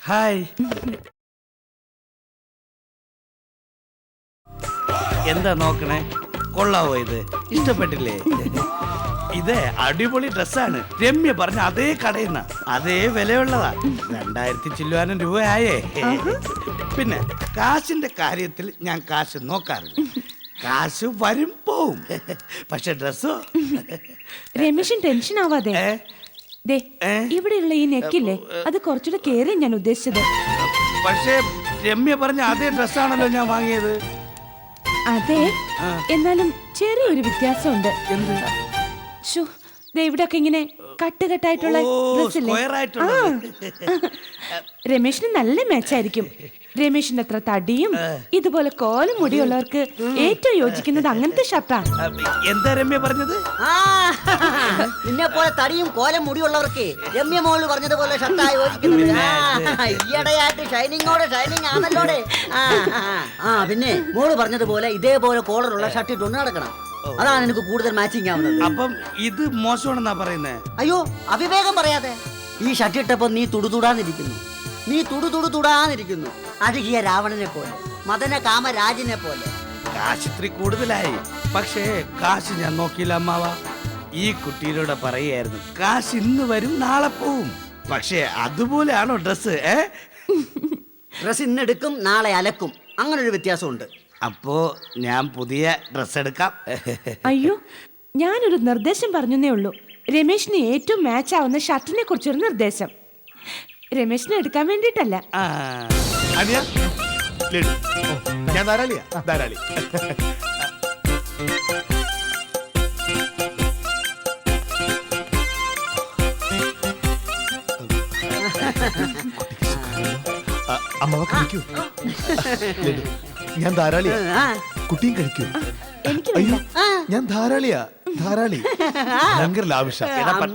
Hi. എന്താ നോക്കണേ? കൊള്ളാവോ ഇത്? ഇഷ്ടപ്പെട്ടില്ലേ? ഇത് അടിപൊളി ഡ്രസ്സാണ്. രമ്യ പറഞ്ഞ അതേ കടയിൽ നിന്ന് അതേ വിലയുള്ളതാ. 2000 ചില്ലുവാനും രൂപയായേ. പിന്നെ കാശിന്റെ കാര്യത്തിൽ ഞാൻ കാശ് നോക്കാറില്ല. കാശ് വരും പോവും. പക്ഷെ ഡ്രസ്സോ രമേശൻ ടെൻഷൻ ആവാതെ. ദേ, ഇവിടെയുള്ള ഈ നെക്കില്ലേ, അത് കുറച്ചുകൂടെ കേറി ഞാൻ ഉദ്ദേശിച്ചത്. പക്ഷേ രമ്യ പറഞ്ഞ അതേ ഡ്രസ്സാണല്ലോ ഞാൻ വാങ്ങിയത്. അതെ, എന്നാലും ചെറിയൊരു വ്യത്യാസമുണ്ട്. എന്ത്? ഇവിടൊക്കെ ഇങ്ങനെ കട്ടുകെട്ടായിട്ടുള്ള ഡ്രസ്സില്ലേ, രമേശിന് നല്ല മാച്ചായിരിക്കും. രമേശിന്റെ അത്ര തടിയും ഇതുപോലെ കോലും മുടിയുള്ളവർക്ക് ഏറ്റവും യോജിക്കുന്നത് അങ്ങനത്തെ ഷർട്ടാ. എന്താ രമ്യ പറഞ്ഞത്? നിന്നെ പോലെ തടിയും കോലം മുടിയുള്ളവർക്ക് രമ്യ മോള് പറഞ്ഞതുപോലെ ഷർട്ടാ യോജിക്കുന്നത്. ഈയിടെയായിട്ട് ഷൈനിങ്ങോടെ ഷൈനിങ് ആണല്ലോടെ. പിന്നെ മോള് പറഞ്ഞതുപോലെ ഇതേപോലെ കോളറുള്ള ഷർട്ട് ഇട്ടുകൊണ്ട് നടക്കണം. അതാണ് എനിക്ക് കൂടുതൽ മാച്ചിങ് ആവുന്നത്. അപ്പം ഇത് മോശമാണെന്നാ പറയുന്നേ? അയ്യോ, അവിവേകം പറയാതെ. ഈ ഷർട്ട് ഇട്ടപ്പോ നീ തുടുതുടാന്നിരിക്കുന്നു. നീ തുടുതുടാന്നിരിക്കുന്നു. അഴുകിയ രാവണനെ പോലെ, മദന കാമരാജിനെ പോലെ. കാശ് ഇത്തിരി കൂടുതലായി. പക്ഷേ കാശ് ഞാൻ നോക്കിയില്ല അമ്മാവ. ഈ കുട്ടിയിലൂടെ പറയായിരുന്നു, കാശ് ഇന്ന് വരും നാളെ പോവും. പക്ഷേ അതുപോലെയാണോ ഡ്രസ്? ഡ്രസ് ഇന്നെടുക്കും നാളെ അലക്കും, അങ്ങനെ ഒരു വ്യത്യാസമുണ്ട്. അപ്പോ ഞാൻ പുതിയ ഡ്രസ് എടുക്കാം. അയ്യോ, ഞാനൊരു നിർദ്ദേശം പറഞ്ഞേ ഉള്ളൂ. രമേശിന് ഏറ്റവും മാച്ച് ആവുന്ന ഷർട്ടിനെ കുറിച്ചൊരു നിർദ്ദേശം. രമേശിനെ എടുക്കാൻ വേണ്ടിട്ടല്ല. ഞാൻ ധാരാളിയാ, ധാരാളി. അമ്മ കഴിക്കൂ. ഞാൻ ധാരാളിയാ, കുട്ടിയും കഴിക്കൂ. അയ്യോ, ഞാൻ ധാരാളിയാ, ധാരാളി. ഭയങ്കര ലാവിഷാ.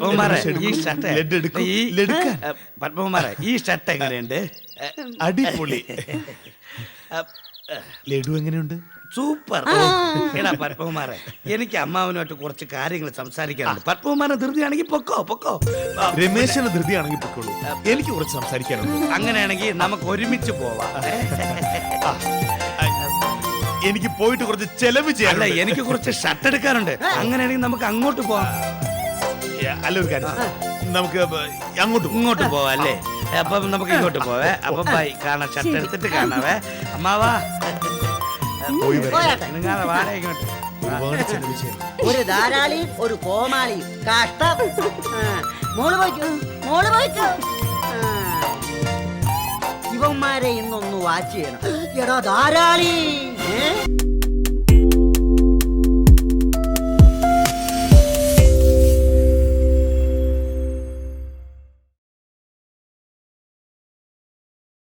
പത്മകുമാരെ, ഈ ഷർട്ട് എങ്ങനെയുണ്ട്? അടിപൊളി. ലഡു എങ്ങനെയുണ്ട്? സൂപ്പർ. എടാ പത്മകുമാരെ, എനിക്ക് അമ്മാവനുമായിട്ട് കുറച്ച് കാര്യങ്ങൾ സംസാരിക്കാനുണ്ട്. പത്മകുമാരൻ ധൃതിയാണെങ്കിൽ പൊക്കോ പൊക്കോ. രമേശന് ധൃതിയാണെങ്കിൽ പൊക്കോളൂ, എനിക്ക് കുറച്ച് സംസാരിക്കാനുണ്ട്. അങ്ങനെയാണെങ്കിൽ നമുക്ക് ഒരുമിച്ച് പോവാം. എനിക്ക് പോയിട്ട് കുറച്ച് ചെലവ് ചെയ്യാനല്ല, എനിക്ക് കുറച്ച് ഷർട്ട് എടുക്കാറുണ്ട്. അങ്ങനെയാണെങ്കിൽ നമുക്ക് അങ്ങോട്ട് പോവാം. അല്ല, ഒരു കാര്യം, നമുക്ക് ഇങ്ങോട്ട് പോവാം അല്ലേ? അപ്പം നമുക്ക് ഇങ്ങോട്ട് പോവേ. അപ്പൊ ബൈ, കാണാം. ഷർട്ട് എടുത്തിട്ട് കാണാവേ. അമ്മാവാ, നിങ്ങളെ വാട ഇങ്ങോട്ട്. ഒരു ധാരാളിയും ഒരു കോമാളിയും. കഷ്ടം. മോള് പോയിക്കോ, മോള് പോയിക്കോ. ഇവന്മാരെ ഇന്നൊന്ന് വാച്ച് ചെയ്യണം. എടാ ധാരാളി,